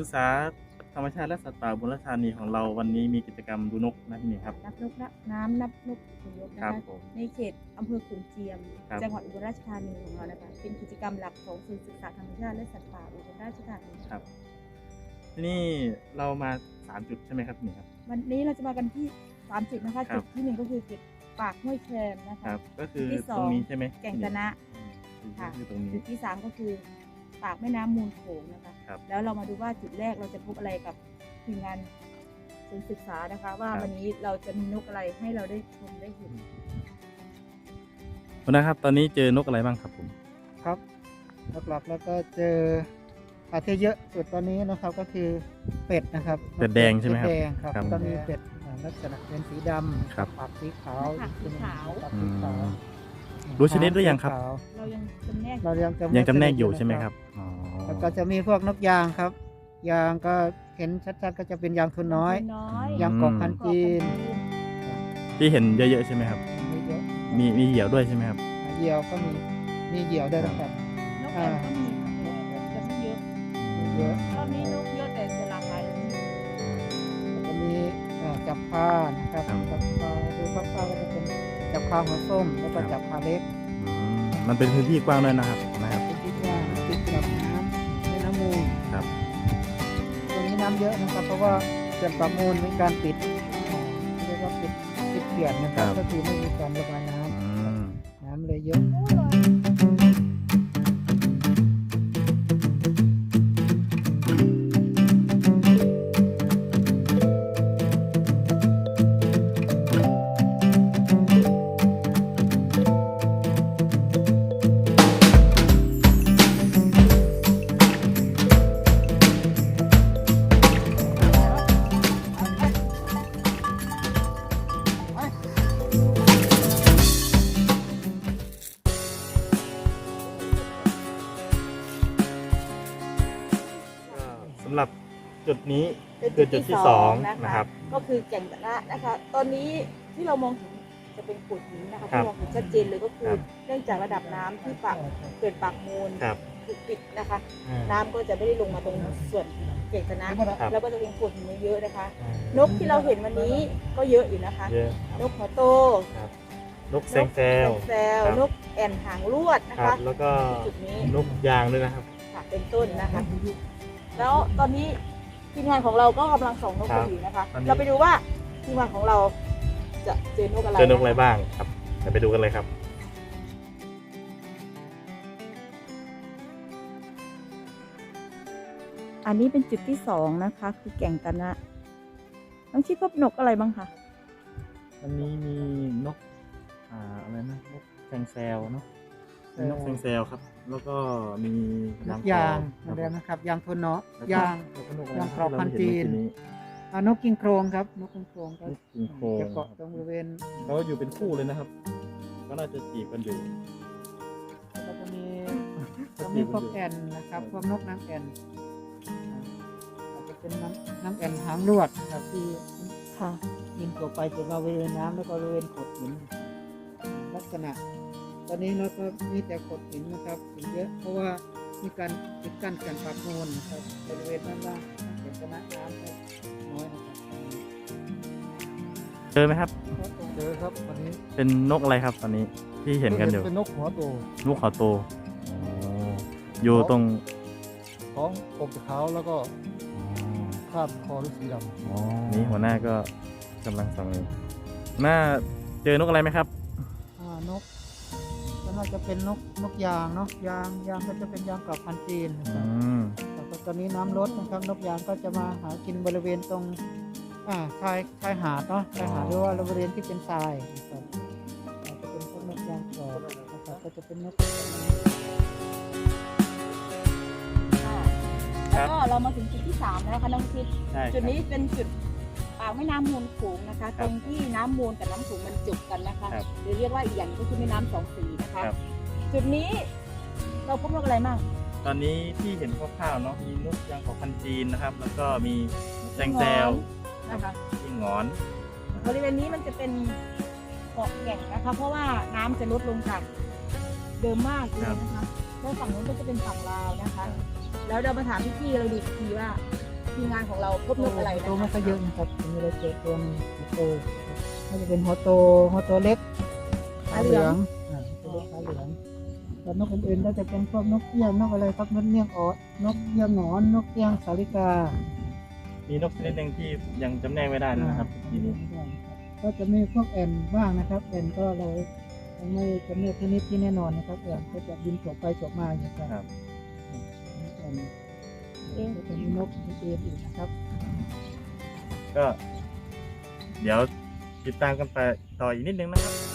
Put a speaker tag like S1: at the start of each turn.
S1: ษาธรรมชาติและสัตว์ป่าอุบลราชธานีของเราวันนี้มีกิจกรรมดูนกนะพี่นี่ครับ
S2: นับนกน้ำนับนกอพยพนะคะในเขตอำเภอขุนเจียมจังหวัดอุบลราชธานีของเรานะคะเป็นกิจกรรมหลักของศูนย์ศึกษาธรรมชาติและสัตว์ป่าอุบลราชธานี
S1: ครับที่นี่เรามา3 จุดใช่ไหมครับนี่ครับ
S2: วันนี้เราจะมากันที่3 จุดนะคะจุดที่1ก็คือจุดปากห้วยแคนนะคะ
S1: ก็คือตรงนี้ใช่ไหม
S2: แก่งตะนะค่ะจุดที่3ก็คือปากแม่น้ำมูลโขงนะคะแล้วเรามาดูว่าจุดแรกเราจะพบอะไรกับทีมงานศูนย์ศึกษานะคะว่าวันนี้เราจะมีนกอะไรให้เราได้ชมได้เห็น
S1: คุณนะครับตอนนี้เจอนกอะไรบ้างครับผม
S3: ครับหลักๆแล้วก็เจอที่เยอะสุดตอนนี้นะครับก็คือเป็ดนะครับ
S1: เป็ดแดงใช่ไหมครับ
S3: แดงครับก็มีเป็ดลักษณะเป็นสีดำปากสีขาวปากสีขาว
S1: รู้ชนิดหรือยังครับ
S2: เรายังจำแน
S1: กอยู่ใช่ไหมครับ
S3: แล้วก็จะมีพวกนกยางครับยางก็เห็นชัดๆก็จะเป็นยางทุนน้อยยางกอกพันจีน
S1: ที่เห็นเยอะๆใช่ไหมครับมีเหยี่ยวด้วยใช่ไหมครับ
S3: เหยี่ยวก็มีเหยี่ยวได้ครับ
S2: นกแอ่นก็มีแต่ไม่เยอะรอบนี้นกเยอะแต่จะหลากหลาย
S3: จะมีจับพานะครับจับพาดูคร่าวๆก็จะเป็นจับพาหัวส้มแล้วก็จับพาเล็ก
S1: มันเป็นพื้นที่กว้างด้วยนะครับ
S3: พื้นที่กว้างติดกับน้ำแม่น้ำมูล
S1: ครับ
S3: ตรงนี้น้ำเยอะนะครับเพราะว่าเขื่อนปากมูลมีการปิดเรียกว่าปิดเขื่อนนะครับก็คือไม่มีการระบายน้ำเลยเยอะ
S1: สำหรับจุดนี้คือจุดที่2นะครับ
S2: ก็คือแก่งตะนะนะคะตอนนี้ที่เรามองเห็นจะเป็นโขดหินนะคะที่มองเห็นชัดเจนเลยก็คือเนื่องจากระดับน้ำที่เกิดปากมูลถูกปิดนะคะน้ำก็จะไม่ได้ลงมาตรงส่วนแก่งตะนะแล้วก็จะเป็นโขดหินเยอะนะคะนกที่เราเห็นวันนี้ก็เยอะอยู่นะคะนกหัวโต
S1: นกแซงแซวน
S2: กแอ่นหางลวดนะคะ
S1: แล้วก็
S2: จุดนี้
S1: นกยางด้วยนะครับ
S2: เป็นต้นนะคะแล้วตอนนี้ทีมงานของเราก็กำลังส่องนกอยู่นะคะเราไปดูว่าทีมงานของเราจะเจอนกอะไร
S1: บ้างครับไปดูกันเลยครับ
S2: อันนี้เป็นจุดที่2นะคะคือแก่งตะนะน้องชิดพบนกอะไรบ้างคะ
S1: อันนี้มีนกอะไรนะนกแซงแซวเนาะนกแซงแซวครับแล้วก็มี
S3: ยางนะครับยางทนเนาะยางกรอบพันจีนนกกิงโครงครับนกกิงโครงก็จะเกาะตรงบริเวณ
S1: เขาอยู่เป็นคู่เลยนะครับก็น่าจะจีบกันอยู่
S3: แล้วก็จะมีพวกแอ่นนะครับพวกนกนางแอ่นอาจจะเป็นนางแอ่นหางลวดครับที่บินตัวไปตัวมาบริเวณน้ำแล้วก็บริเวณโขดหินลักษณะตอนนี้เราก็มีแต่โขดหินนะครับหินเยอะเพราะว่ามีการปิดกั้นแก่งปากมูลนะครับบริเวณด้านล่างแก่งตะนะน้ำน้อยนะครับ
S1: เจอไหมครับ
S3: เจอครับวันนี้
S1: เป็นนกอะไรครับตอนนี้ที่เห็นกันอยู่
S3: เป็นนกหัวโต
S1: อยู่ตรง
S3: ท้องกบขาวแล้วก็คาดคอด้วยสีด
S1: ำนี่หัวหน้าก็กำลังส่องหน้าเจอนกอะไรไหมครับ
S3: นกน่าจะเป็นนกยางเนาะยางก็จะเป็นยางกรอบพันจีนนะครับแต่ตอนนี้น้ำลดนะครับนกยางก็จะมาหากินบริเวณตรงชายหาดเนาะชายหาดหรือว่าบริเวณที่เป็นทรายนะครับจะเป็นพวกนกยางกรอบนะครับก็จะเป็นนก
S2: แล้วก็เรามาถึงจุดที่3แล้วนะคะน้องชิดจุดนี้เป็นจุดปากแม่น้ำมูลโขงนะคะตรงที่น้ำมูลกับน้ำโขงมันจุกกันนะคะหรือเรียกว่าอีกอย่างก็คือแม่น้ำ2 สีนะคะจุดนี้เราพบนกอะไรบ้าง
S1: ตอนนี้ที่เห็นคร่าวๆเนาะมีนกยางกอกพันจีนนะครับแล้วก็มีแซงแซว
S2: นะคะ
S1: ที่งอน
S2: บริเวณนี้มันจะเป็นเกาะแก่งนะคะเพราะว่าน้ำจะลดลงจากเดิมมากเลยนะคะแล้วฝั่งนู้นก็จะเป็นฝั่งลาวนะคะแล้วเรามาถามพี่ๆเราดูทีว่าทีมงานของเราพบนกอะไรนะ
S3: ตัวไม่ค่อยเยอะนะครับมีอะไรเจอตัวหนึงหัวโตก็จะเป็นหัวโตเล็กขาเหลืองตัวเล็กขาเหลืองแต่นกอื่นๆก็จะเป็นพวกนกเอี้ยงนกอะไรครับนกเอี้ยงออดนกเอี้ยงหนอนนกเอี้ยงสาลิกา
S1: มีนกชนิดหนึ่งที่ยังจำแนกไม่ได้นะครับทีนี้
S3: ก็จะมีพวกแอนบ้างนะครับแอนก็เรายังไม่จำแนกชนิดที่แน่นอนนะครับแอนก็จะบินตกไปตกมาอย่างนี้ครับแอนก็จะมีนกอื่นอีกนะครับ
S1: ก็เดี๋ยวติดตามกันไปต่ออีกนิดนึงนะครับ